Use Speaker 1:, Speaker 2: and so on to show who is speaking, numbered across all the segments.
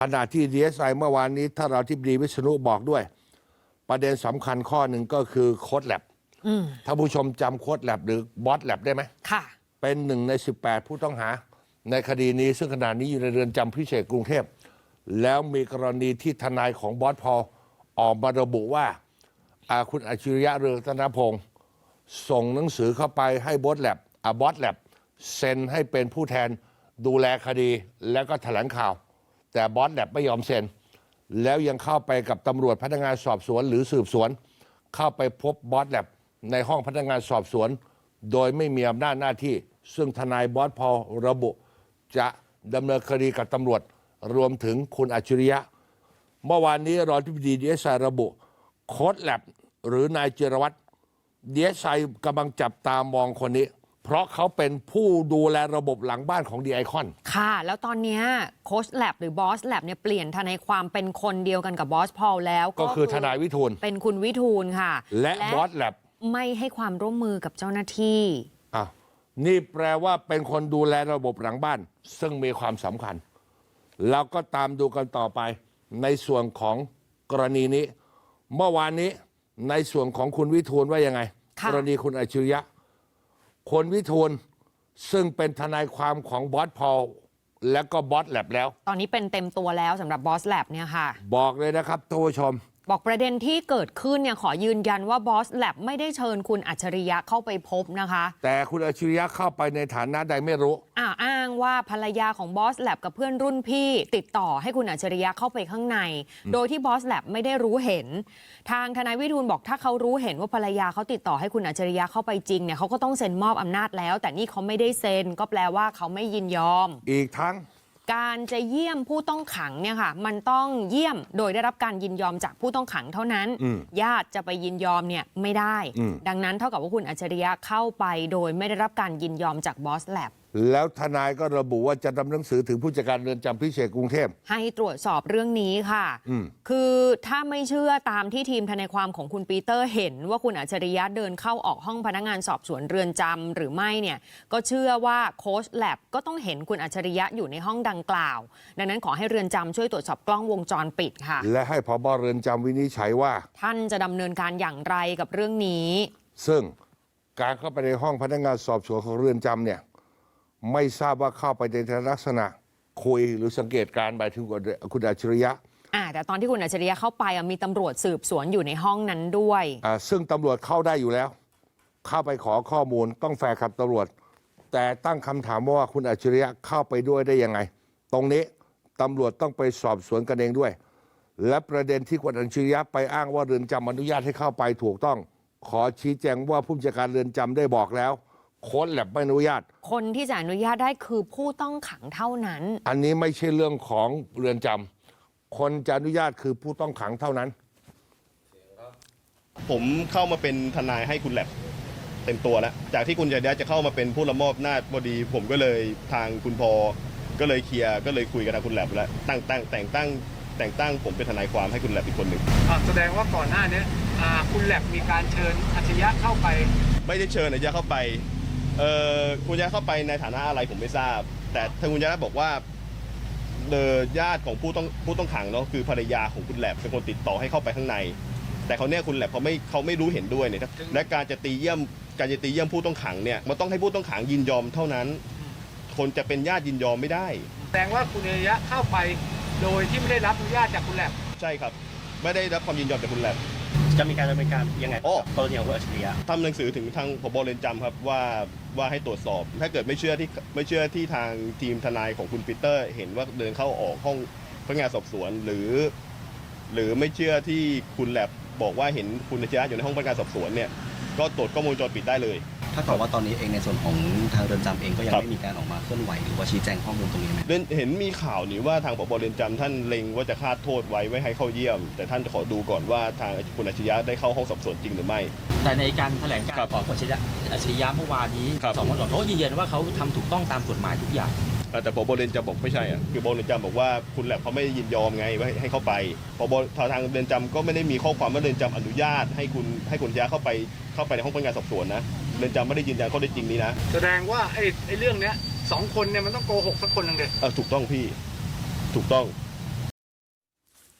Speaker 1: ขณะที่ DSI เมื่อวานนี้ถ้าเราที่ดีวิษณุบอกด้วย ประเด็นสำคัญข้อหนึ่งก็คือโค้ดแลบถ้าผู้ชมจำโค้ดแลบหรือบอสแลบได้ไหม
Speaker 2: ค่ะ
Speaker 1: เป็นหนึ่งใน18ผู้ต้องหาในคดีนี้ซึ่งขณะนี้อยู่ในเรือนจำพิเศษกรุงเทพแล้วมีกรณีที่ทนายของบอสพอลออกมาระบุว่าคุณอัจฉริยะเรืองรัตนพงศ์ส่งหนังสือเข้าไปให้บอสแลบเซ็นให้เป็นผู้แทนดูแลคดีแล้วก็แถลงข่าวแต่บอสแลบไม่ยอมเซ็นแล้วยังเข้าไปกับตำรวจพนักงานสอบสวนหรือสืบสวนเข้าไปพบบอสแลบในห้องพนักงานสอบสวนโดยไม่มีอำนาจหน้าที่ซึ่งทนายบอสพอลระบุจะดำเนินคดีกับตำรวจรวมถึงคุณอัจฉริยะเมื่อวานนี้รองอธิบดี DSI ระบุโค้ดแลบหรือนายจิรวัตร DSI กำลังจับตามองคนนี้เพราะเขาเป็นผู้ดูแลระบบหลังบ้านของดีไอคอน
Speaker 2: ค่ะแล้วตอนนี้โค้ชแลบหรือบอสแลบเนี่ยเปลี่ยนทนายความเป็นคนเดียวกันกับบอสพอลแล้ว
Speaker 1: ก็คือทนายวิทูล
Speaker 2: เป็นคุณวิทูลค่ะ
Speaker 1: และบอสแลบ
Speaker 2: ไม่ให้ความร่วมมือกับเจ้าหน้าที่
Speaker 1: นี่แปลว่าเป็นคนดูแลระบบหลังบ้านซึ่งมีความสำคัญเราก็ตามดูกันต่อไปในส่วนของกรณีนี้เมื่อวานนี้ในส่วนของคุณวิทูลว่ายังไงกรณีคุณอัจฉริยะคนวิทูลซึ่งเป็นทนายความของบอสพอลและก็บอสแลบแล้ว
Speaker 2: ตอนนี้เป็นเต็มตัวแล้วสำหรับบอสแลบเนี่ยค่ะ
Speaker 1: บอกเลยนะครับท่านผู้ชม
Speaker 2: บอกประเด็นที่เกิดขึ้นเนี่ยขอยืนยันว่าบอสแลบไม่ได้เชิญคุณอัจฉริยะเข้าไปพบนะคะ
Speaker 1: แต่คุณอัจฉริยะเข้าไปในฐานะใดไม่รู้
Speaker 2: อ้างว่าภรรยาของบอสแลบกับเพื่อนรุ่นพี่ติดต่อให้คุณอัจฉริยะเข้าไปข้างในโดยที่บอสแลบไม่ได้รู้เห็นทางทนายวิทูลบอกถ้าเขารู้เห็นว่าภรรยาเขาติดต่อให้คุณอัจฉริยะเข้าไปจริงเนี่ยเขาก็ต้องเซ็นมอบอำนาจแล้วแต่นี่เขาไม่ได้เซ็นก็แปลว่าเขาไม่ยินยอม
Speaker 1: อีกทั้ง
Speaker 2: การจะเยี่ยมผู้ต้องขังเนี่ยค่ะมันต้องเยี่ยมโดยได้รับการยินยอมจากผู้ต้องขังเท่านั้นญาติจะไปยินยอมเนี่ยไม่ได้ดังนั้นเท่ากับว่าคุณอัจฉริยะเข้าไปโดยไม่ได้รับการยินยอมจากบอสแลบ
Speaker 1: แล้วทนายก็ระบุว่าจะทำหนังสือถึงผู้จัดการเรือนจำพิเศษกรุงเทพ
Speaker 2: ให้ตรวจสอบเรื่องนี้ค่ะคือถ้าไม่เชื่อตามที่ทีมทนายความของคุณปีเตอร์เห็นว่าคุณอัจฉริยะเดินเข้าออกห้องพนักงานสอบสวนเรือนจำหรือไม่เนี่ยก็เชื่อว่าโค้ชแลบก็ต้องเห็นคุณอัจฉริยะอยู่ในห้องดังกล่าวดังนั้นขอให้เรือนจำช่วยตรวจสอบกล้องวงจรปิดค่ะ
Speaker 1: และให้ผบ.เรือนจำวินิจฉัยว่า
Speaker 2: ท่านจะดำเนินการอย่างไรกับเรื่องนี้
Speaker 1: ซึ่งการเข้าไปในห้องพนักงานสอบสวนของเรือนจำเนี่ยไม่ทราบว่าเข้าไปในลักษณะคุยหรือสังเกตการณ์ไปถึงคุณอัจฉริยะ
Speaker 2: แต่ตอนที่คุณอัจฉริยะเข้าไปมีตำรวจสืบสวนอยู่ในห้องนั้นด้วย
Speaker 1: ซึ่งตำรวจเข้าได้อยู่แล้วเข้าไปขอข้อมูลต้องแฟร์กับตำรวจแต่ตั้งคำถามว่าคุณอัจฉริยะเข้าไปด้วยได้ยังไงตรงนี้ตำรวจต้องไปสอบสวนกันเองด้วยและประเด็นที่คุณอัจฉริยะไปอ้างว่าเรือนจำอนุญาตให้เข้าไปถูกต้องขอชี้แจงว่าผู้จัดการเรือนจำได้บอกแล้วโค้ดแลบไม่อนุญาต
Speaker 2: คนที่จะอนุญาตได้คือผู้ต้องขังเท่านั้น
Speaker 1: อันนี้ไม่ใช่เรื่องของเรือนจำคนจะอนุญาตคือผู้ต้องขังเท่านั้น
Speaker 3: ผมเข้ามาเป็นทนายให้คุณแลบเต็มตัวแล้วจากที่คุณอัจฉริยะจะเข้ามาเป็นผู้ละมอบอำนาจพอดีผมก็เลยทางคุณพอก็เลยเคลียร์ก็เลยคุยกับทางคุณแลบแล้วแต่งตั้งผมเป็นทนายความให้คุณแลบอีกคนหนึ่ง
Speaker 4: แสดงว่าก่อนหน้านี้คุณแลบมีการเชิญอัจฉริยะเข้าไป
Speaker 3: ไม่ได้เชิญอัจฉริยะเข้าไปคุณอัจฉริยะเข้าไปในฐานะอะไรผมไม่ทราบแต่ทางคุณอัจฉริยะบอกว่าญาติของผู้ต้องขังเนาะคือภรรยาของคุณแลบเป็นคนติดต่อให้เข้าไปข้างในแต่เขาเนี่ยคุณแลบเขาไม่รู้เห็นด้วยเนี่ยและการจะตีเยี่ยมผู้ต้องขังเนี่ยมันต้องให้ผู้ต้องขังยินยอมเท่านั้นคนจะเป็นญาติยินยอมไม่ได้
Speaker 4: แสดงว่าคุณอัจฉริยะเข้าไปโดยที่ไม่ได้รับอนุญาตจากคุณแลบ
Speaker 3: ใช่ครับไม่ได้รับความยินยอมจากคุณแลบ
Speaker 5: จะมีการดำเนินการยังไงกรณีของคุณอัจฉริยะ
Speaker 3: ทำหนังสือถึงทางผบ.เรือนจำครับว่าให้ตรวจสอบถ้าเกิดไม่เชื่อที่ทางทีมทนายของคุณปีเตอร์เห็นว่าเดินเข้าออกห้องพนักงานสอบสวนหรือไม่เชื่อที่คุณแลบบอกว่าเห็นคุณอัจฉริยะอยู่ในห้องพนักงานสอบสวนเนี่ยก็ตรวจกล้องวงจรปิดได้เลย
Speaker 5: ถ้าเกิดว่าตอนนี้เองในส่วนของทางเรือนจำเองก็ยังไม่มีการออกมาเคลื่อนไหวหรือว่าชี้แจงข้อมูลตรงนี้ไหม
Speaker 3: เห็นมีข่าวนี่ว่าทางผบ.เรือนจำท่านเล็งว่าจะคาดโทษไว้ให้เข้าเยี่ยมแต่ท่านจะขอดูก่อนว่าทางคุณอัจฉริยะได้เข้าห้องสอบสวนจริงหรือไม่
Speaker 5: แต่ในการแถลงการของคุณอัจฉริยะเมื่อวานนี้สองวันก่อนเขายืนยันว่าเขาทำถูกต้องตามกฎหมายทุกอย่าง
Speaker 3: แต่ผบ.เรือนจำบอกไม่ใช่คือผบ.เรือนจำบอกว่าคุณแลบเขาไม่ยินยอมไงว่าให้เข้าไปผบ.ทางเรือนจำก็ไม่ได้มีข้อความว่าเรือนจำอนุญาตให้คุณอัจฉริยะเข้าไปในห้องพนักงานสอบสวนนะเรือนจำไม่ได้ยืนยันข้อเท็จจริงนี้นะ
Speaker 4: แสดงว่าไอ้เรื่องเนี้ย2 คนเนี่ยมันต้องโกหกสักคนนึงเลย
Speaker 3: ถูกต้องพี่ถูกต้อง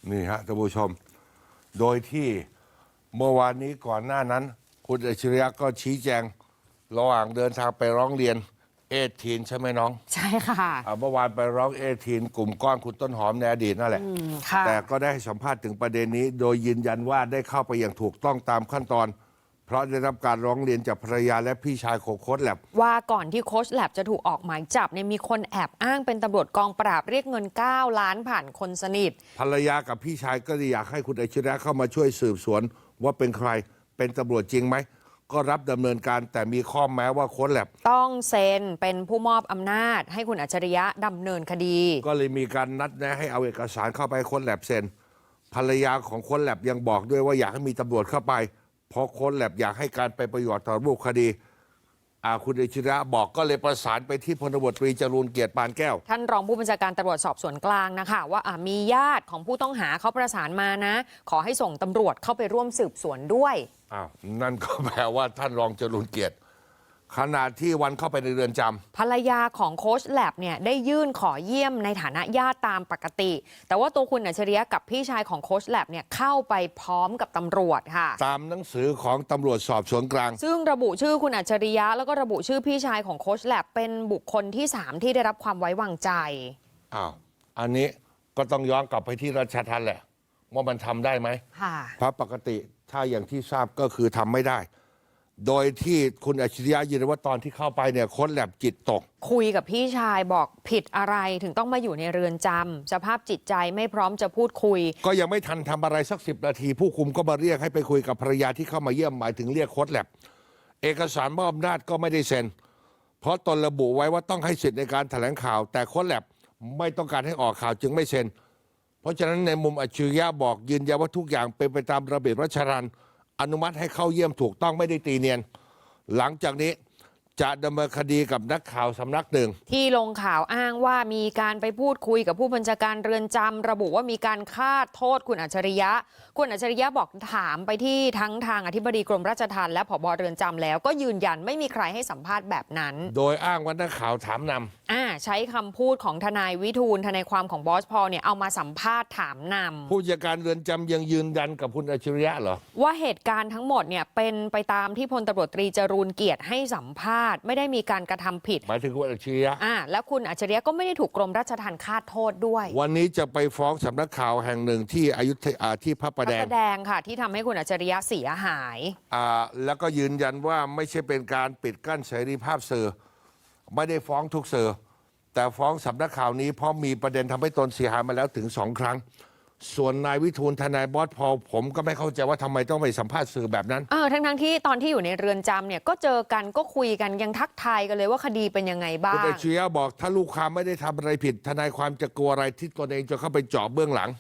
Speaker 1: นี่ฮะท่านผู้ชม โดยที่เมื่อวานนี้ก่อนหน้านั้น คุณอัจฉริยะก็ชี้แจงระหว่างเดินทางไปร้องเรียนทีนใช่ไหมน้อง
Speaker 2: ใช่ค่ะ
Speaker 1: เมื่อวานไปร้องทีนกลุ่มก้อนคุณต้นหอมในอดีตนั่นแหละ
Speaker 2: ค่ะ
Speaker 1: แต่ก็ได้ให้สัมภาษณ์ถึงประเด็นนี้ โดยยืนยันว่าได้เข้าไปอย่างถูกต้องตามขั้นตอน เพราะได้รับการร้องเรียนจากภรรยาและพี่ชายของโค้ชแลบ
Speaker 2: ว่าก่อนที่โค้ชแลบจะถูกออกหมายจับเนี่ยมีคนแอบอ้างเป็นตำรวจกองปราบเรียกเงิน 9 ล้านผ่านคนสนิท
Speaker 1: ภรรยากับพี่ชายก็อยากให้คุณอัจฉริยะเข้ามาช่วยสืบสวนว่าเป็นใครเป็นตำรวจจริงไหมก็รับดำเนินการแต่มีข้อแม้ว่าโค้ชแลบ
Speaker 2: ต้องเซ็นเป็นผู้มอบอำนาจให้คุณอัจฉริยะดำเนินคดี
Speaker 1: ก็เลยมีการนัดแนะให้เอาเอกสารเข้าไปโค้ชแลบเซ็นภรรยาของโค้ชแลบยังบอกด้วยว่าอยากให้มีตำรวจเข้าไปเพราะโค้ชแลบอยากให้การเป็นประโยชน์ต่อรูปคดีคุณอัจฉริยะบอกก็เลยประสานไปที่พลตำรวจตรีจรูญเกียรติปานแก้ว
Speaker 2: ท่านรองผู้บัญชาการตำรวจสอบสวนกลางนะคะว่ามีญาติของผู้ต้องหาเขาประสานมานะ ขอให้ส่งตำรวจเข้าไปร่วมสืบสวนด้วย
Speaker 1: นั่นก็แปลว่าท่านรองจรูญเกียรติขณะที่วันเข้าไปในเรือนจำ
Speaker 2: ภรรยาของโค้ชแลบเนี่ยได้ยื่นขอเยี่ยมในฐานะญาติตามปกติ แต่ว่าตัวคุณอัจฉริยะกับพี่ชายของโค้ชแลบเนี่ยเข้าไปพร้อมกับตำรวจค่ะ
Speaker 1: ตามหนังสือของตำรวจสอบสวนกลาง
Speaker 2: ซึ่งระบุชื่อคุณอัจฉริยะแล้วก็ระบุชื่อพี่ชายของโค้ชแลบเป็นบุคคลที่ 3 ที่ได้รับความไว้วางใจ
Speaker 1: อันนี้ก็ต้องย้อนกลับไปที่ราชทัณฑ์แหละว่ามันทำได้ไหม
Speaker 2: ค่ะ
Speaker 1: เพราะปกติถ้าอย่างที่ทราบก็คือทำไม่ได้ โดยที่คุณอัจฉริยะยืนยันว่าตอนที่เข้าไปเนี่ยโค้ชแลบจิตตก
Speaker 2: คุยกับพี่ชายบอกผิดอะไรถึงต้องมาอยู่ในเรือนจำสภาพจิตใจไม่พร้อมจะพูดคุย
Speaker 1: ก็ยังไม่ทันทำอะไรสัก10 นาที ผู้คุมก็มาเรียกให้ไปคุยกับภรรยาที่เข้ามาเยี่ยมหมายถึงเรียกโค้ชแลบเอกสารมอบอำนาจก็ไม่ได้เซ็นเพราะตนระบุไว้ว่าต้องให้สิทธิ์ในการแถลงข่าว แต่โค้ชแลบไม่ต้องการให้ออกข่าวจึงไม่เซ็นเพราะฉะนั้นในมุมอัจฉริยะบอกยืนยันว่าทุกอย่างเป็นไปตามระเบียบราชทัณฑ์อนุมัติให้เข้าเยี่ยมถูกต้องไม่ได้ตีเนียนหลังจากนี้จะดำเนินคดีกับนักข่าวสำนักหนึ่ง
Speaker 2: ที่ลงข่าวอ้างว่ามีการไปพูดคุยกับผู้บัญชาการเรือนจำระบุว่ามีการฆาตโทษคุณอัจฉริยะคุณอัจฉริยะบอกถามไปที่ทั้งทางอธิบดีกรมราชทัณฑ์และผบ.เรือนจำแล้วก็ยืนยันไม่มีใครให้สัมภาษณ์แบบนั้น
Speaker 1: โดยอ้างว่านักข่าวถามน
Speaker 2: ำใช้คำพูดของทนายวิทูลทนายความของบอสพอลเนี่ยเอามาสัมภาษณ์ถามนำ
Speaker 1: ผู้จัดการเรือนจำยังยืนยันกับคุณอัจฉริยะเหรอ
Speaker 2: ว่าเหตุการณ์ทั้งหมดเนี่ยเป็นไปตามที่พลตำรวจตรีจรูญเกียรติให้สัมภาษณ์ไม่ได้มีการกระทำผิด
Speaker 1: หมายถึงคุณอัจฉริยะ
Speaker 2: แล้วคุณอัจฉริยะก็ไม่ได้ถูกกรมราชทัณฑ์ฆาตโทษด้วย
Speaker 1: วันนี้จะไปฟ้องสำนักข่าวแห่งหนึ่งที่อยุธยาที่พระประแดง
Speaker 2: ค่ะที่ทำให้คุณอัจฉริยะเสียหาย
Speaker 1: แล้วก็ยืนยันว่าไม่ใช่เป็นการปิดกั้นเสรีภาพสื่อไม่ได้ฟ้องทุกสื่อแต่ฟ้องสำนักข่าวนี้เพราะมีประเด็นทำให้ตนเสียหายมาแล้วถึง2 ครั้งส่วนนายวิทูลทนายบอสพอลผมก็ไม่เข้าใจว่าทำไมต้องไปสัมภาษณ์สื่อแบบนั้น
Speaker 2: ทั้งที่ตอนที่อยู่ในเรือนจำเนี่ยก็เจอกันก็คุยกันยังทักทายกันเลยว่าคดีเป็นยังไงบ้าง
Speaker 1: คุณอัจฉริยะบอกถ้าลูกความไม่ได้ทำอะไรผิดทนายความจะกลัวอะไรที่ตนเองจะเข้าไปเจาะเบื้องหลัง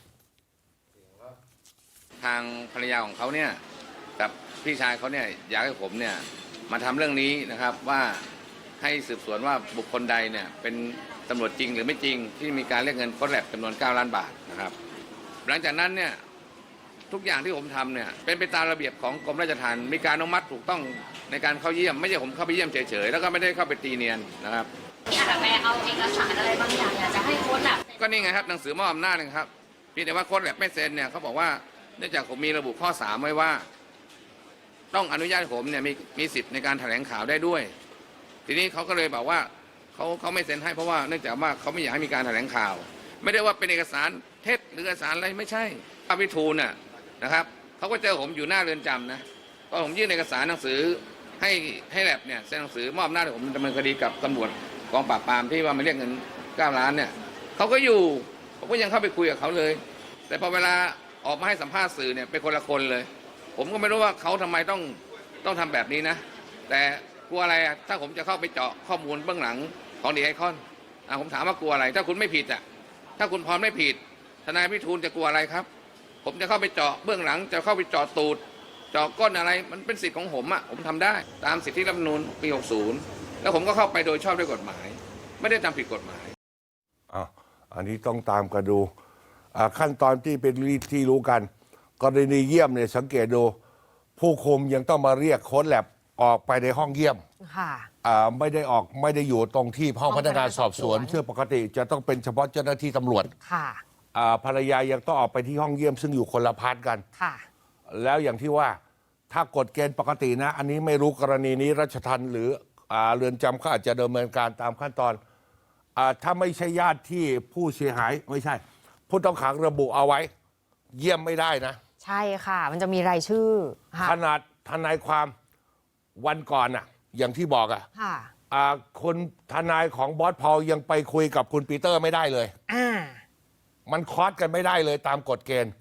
Speaker 6: ทางภรรยาของเขาเนี่ยกับพี่ชายเขาเนี่ยอยากให้ผมเนี่ยมาทำเรื่องนี้นะครับว่าให้สืบสวนว่าบุคคลใดเนี่ยเป็นตำรวจจริงหรือไม่จริงที่มีการเรียกเงินโค้ชแลบจำนวน9 ล้านบาทนะครับหลังจากนั้นเนี่ยทุกอย่างที่ผมทำเนี่ยเป็นไปตามระเบียบของกรมราชทัณฑ์มีการอนุมัติถูกต้องในการเข้าเยี่ยมไม่ใช่ผมเข้าไปเยี่ยมเฉยๆแล้วก็ไม่ได้เข้าไปตีเนียนนะครับ
Speaker 7: ที่อาจจะไปเอาเอกสารอะไรบางอย่างอยากจะให้โค้ชแลบ
Speaker 6: ก็นี่ไงครับหนังสือมอบอำนาจนะครับเพียงแต่ว่าโค้ชแลบไม่เซ็นเนี่ยเขาบอกว่าเนื่องจากผมมีระบุข้อ3ไว้ว่าต้องอนุญาตผมเนี่ยมีสิทธิ์ในการแถลงข่าวได้ด้วยทีนี้เขาก็เลยบอกว่าเขาไม่เซ็นให้เพราะว่าเนื่องจากว่าเขาไม่อยากให้มีการแถลงข่าวไม่ได้ว่าเป็นเอกสารเท็จหรือเอกสารอะไรไม่ใช่พระวิทูลน่ะนะครับเขาก็เจอผมอยู่หน้าเรือนจำนะก็ผมยื่นเอกสารหนังสือให้แลบเนี่ยเซ็นหนังสือมอบอำนาจให้ผมดำเนินคดีกับตำรวจกองปราบปรามที่ว่ามาเรียกเงิน9 ล้านเนี่ยเขาก็อยู่ผมก็ยังเข้าไปคุยกับเขาเลยแต่พอเวลาออกมาให้สัมภาษณ์สื่อเนี่ยเป็นคนละคนเลยผมก็ไม่รู้ว่าเขาทำไมต้องทำแบบนี้นะแต่กลัวอะไรถ้าผมจะเข้าไปเจาะข้อมูลเบื้องหลังของดีไอคอนผมถามว่ากลัวอะไรถ้าคุณไม่ผิดถ้าคุณพร้อมไม่ผิดทนายวิทูลจะกลัวอะไรครับผมจะเข้าไปเจาะเบื้องหลังจะเข้าไปเจาะตูดเจาะก้นอะไรมันเป็นสิทธิ์ของผมผมทำได้ตามสิทธิรัฐธรรมนูญปี60แล้วผมก็เข้าไปโดยชอบด้วยกฎหมายไม่ได้ทำผิดกฎหมาย
Speaker 1: อันนี้ต้องตามกันดูขั้นตอนที่เป็นที่รู้กันกรณีเยี่ยมเนี่ยสังเกตดูผู้คุมยังต้องมาเรียกโค้ชแลบออกไปในห้องเยี่ยมไม่ได้อยู่ตรงที่ห้องพนักงานสอบสวนซึ่งปกติจะต้องเป็นเฉพาะเจ้าหน้าที่ตำรวจภรรยายังต้องออกไปที่ห้องเยี่ยมซึ่งอยู่คนละพาร์ทกัน
Speaker 2: ค่ะ
Speaker 1: แล้วอย่างที่ว่าถ้ากฎเกณฑ์ปกตินะ อันนี้ไม่รู้กรณีนี้ราชทัณฑ์หรือเรือนจำเขาอาจจะดำเนินการตามขั้นตอนถ้าไม่ใช่ญาติที่ผู้เสียหายไม่ใช่ ผู้ต้องขังระบุเอาไว้ เยี่ยมไม่ได้นะ
Speaker 2: ใช่ค่ะ มันจะมีรายชื่อค่ะ
Speaker 1: ขนาดทนายความวันก่อนอย่างที่บอก
Speaker 2: ค่ะ
Speaker 1: คนทนายของบอสพอลยังไปคุยกับคุณปีเตอร์ไม่ได้เลย
Speaker 2: อ่า
Speaker 1: มันคอสกันไม่ได้เลยตามกฎเกณฑ์